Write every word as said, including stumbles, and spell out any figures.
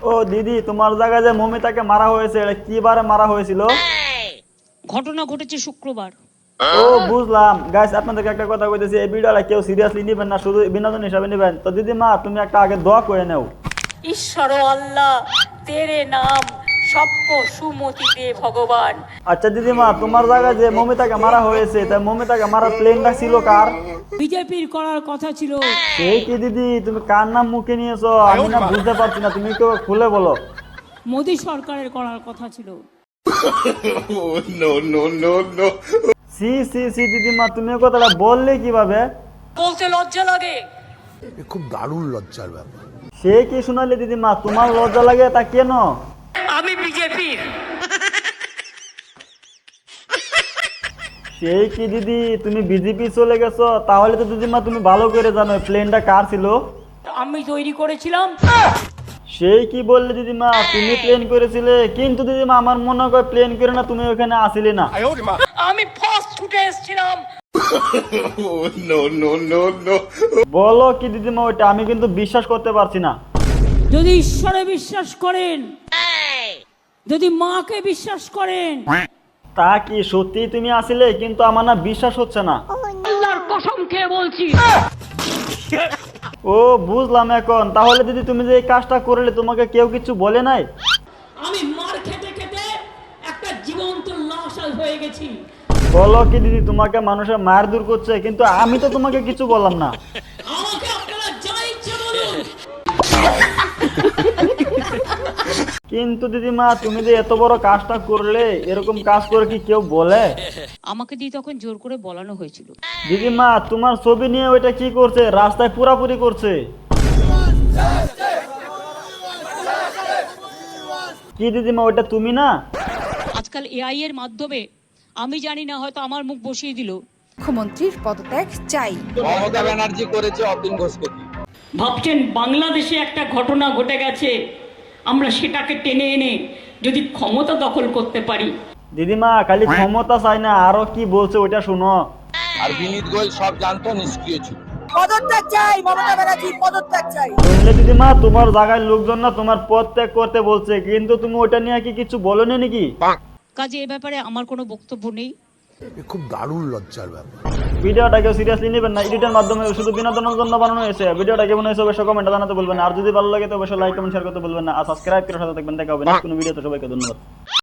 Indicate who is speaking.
Speaker 1: ও দিদি, তোমার জায়গায় যে মমিতাকে মারা হয়েছে এটা কি বারে মারা হয়েছিল?
Speaker 2: ঘটনা ঘটেছে শুক্রবার।
Speaker 1: ও বুঝলাম। গাইস, আপনাদেরকে একটা কথা কইতেছি, এই ভিডিওটা কেউ সিরিয়াসলি নেবেন না, শুধু বিনোদন হিসাবে নেবেন। তো দিদিমা, তুমি একটা আগে দোয়া করে নাও।
Speaker 3: ঈশ্বর আল্লাহ তেরে নাম সবকো সুমতি দে ভগবান।
Speaker 1: আচ্ছা দিদিমা, তোমার জায়গায় যে মমিতাকে মারা হয়েছে, তাই মমিতাকে মারার প্লেনটা ছিল কার?
Speaker 2: বিজেপির করার কথা ছিল।
Speaker 1: সেই কি দিদি, তুমি কার নাম মুখে নিয়েছো? আমি না বুঝতে পারছি না, তুমি একটু খুলে বলো।
Speaker 2: মোদী সরকারের করার কথা ছিল।
Speaker 1: সি সি সি দিদিমা, তুমি এই কথাটা বললে কিভাবে?
Speaker 3: বলতে লজ্জা লাগে।
Speaker 4: খুব দারুণ লজ্জার ব্যাপার।
Speaker 1: সে কি শোনালে দিদিমা, তোমার লজ্জা লাগে তা কেন?
Speaker 3: আমি বিজেপির।
Speaker 1: সেই কি দিদি, তুমি বিজেপি চলে গেছো? তাহলে তো দিদিমা তুমি ভালো করে জানো প্লেনটা কার ছিল।
Speaker 3: আমি তৈরি করেছিলাম।
Speaker 1: সেই কি বললে দিদিমা, তুমি প্লেন করেছিলে? কিন্তু দিদিমা, আমার মনে হয় প্লেন করে না, তুমি ওখানে আসিলে না।
Speaker 3: আমি ফার্স্ট ছুটে এসেছিলাম।
Speaker 1: বলো কি দিদিমা ওইটা? আমি কিন্তু বিশ্বাস করতে পারছি না।
Speaker 2: যদি ঈশ্বরে বিশ্বাস করেন, যদি মাকে বিশ্বাস করেন,
Speaker 1: তা কি সত্যি তুমি আসিলে? কিন্তু আমার না বিশ্বাস হচ্ছে না।
Speaker 3: আল্লাহর কসম খেয়ে বলছি।
Speaker 1: ও বুঝলাম এখন। তাহলে দিদি, তুমি যে এই কাজটা করলে, তোমাকে কেউ কিছু বলে নাই?
Speaker 2: আমি মার খেতে খেতে একটা জীবন্ত লাশ হয়ে গেছি।
Speaker 1: বলো কি দিদি, তোমাকে মানুষের মায়ের দূর করছে, কিন্তু আমি তো তোমাকে কিছু বললাম না।
Speaker 2: আমাকে আপনারা যা ইচ্ছে বলুন।
Speaker 1: কিন্তু দিদিমা, তুমি যে এত বড় কাজটা করলে, এরকম কাজ করে কি কেউ বলে?
Speaker 2: আমাকে দিয়ে তখন জোর করে বলানো হয়েছিল।
Speaker 1: দিদিমা, তোমার ছবি নিয়ে ওইটা কি করছে? রাস্তায় পুরাপুরি করছে। কি দিদিমা, ওইটা তুমি না?
Speaker 2: আজকাল এআই এর মাধ্যমে আমি জানি না, হয়তো আমার মুখ বসিয়ে দিল।
Speaker 5: মুখ্যমন্ত্রীর পদত্যাগ চাই।
Speaker 6: মমতা ব্যানার্জি করেছে অতীন ঘোষকে।
Speaker 3: ভাবছেন বাংলাদেশে একটা ঘটনা ঘটে গেছে, আমরা সেটাকে টেনে এনে যদি ক্ষমতা দখল করতে পারি।
Speaker 1: দিদিমা, খালি ক্ষমতা চাই না, আরো কি বলছে ওইটা শুনো।
Speaker 6: আর বিনীত গোয়েল সব জানতো, নিষ্ক্রিয় ছিল।
Speaker 5: পদত্যাগ চাই, মমতা ব্যানার্জি পদত্যাগ চাই।
Speaker 1: শুনলে দিদিমা, তোমার জায়গায় লোকজন না তোমার পদ ত্যাগ করতে বলছে, কিন্তু তুমি ওইটা নিয়ে কি কিছু বলোনি নাকি?
Speaker 2: কাজে এ ব্যাপারে আমার কোনো বক্তব্য নেই।
Speaker 4: খুব দারুণ লজ্জার ব্যাপার।
Speaker 1: ভিডিওটা কেউ সিরিয়াসলি নেবেন না, এডিটের মাধ্যমে শুধু বিনোদনের জন্য বানানো হয়েছে। ভিডিওটা কেমন হয়েছে অবশ্যই কমেন্টে জানাতে বলবেন। আর যদি ভালো লাগে তো অবশ্যই লাইক কমেন্ট শেয়ার করতে বলবেন না। আর সাবস্ক্রাইব করে সাথে থাকবেন। দেখা হবে নেক্সট কোনো ভিডিওতে। সবাইকে ধন্যবাদ।